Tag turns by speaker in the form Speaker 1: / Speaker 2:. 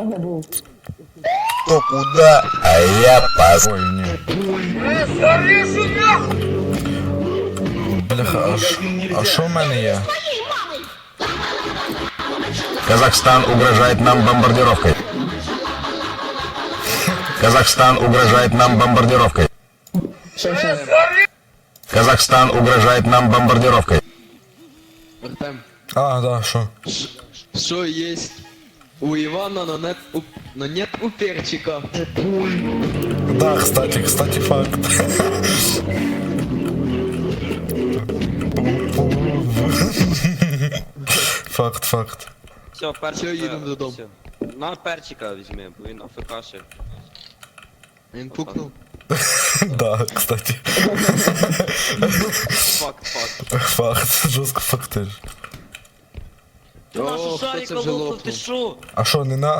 Speaker 1: не був.
Speaker 2: Кто куда, а я пас.
Speaker 3: Ой, ні. Бляха, а що в мене є?
Speaker 2: Казахстан угрожает нам бомбардировкой. Казахстан угрожает нам бомбардировкой.
Speaker 1: Що?
Speaker 2: Казахстан угрожает нам бомбардировкой.
Speaker 4: Артем,
Speaker 3: А, да, що?
Speaker 4: что есть у Ивана, но нет у перчика?
Speaker 3: Да, кстати, факт. Факт.
Speaker 5: Все, перчик.
Speaker 4: Всё, їдемо додому.
Speaker 5: все. На перчика візьми, бо він АФК-шив.
Speaker 4: Він пукнув.
Speaker 3: Да, кстати. Факт, жорстко фактиш.
Speaker 5: Ти нашу
Speaker 4: О, хто це
Speaker 5: шарика
Speaker 4: вже
Speaker 5: лопнув,
Speaker 4: лопнув?
Speaker 5: ти шо?
Speaker 3: А що, не на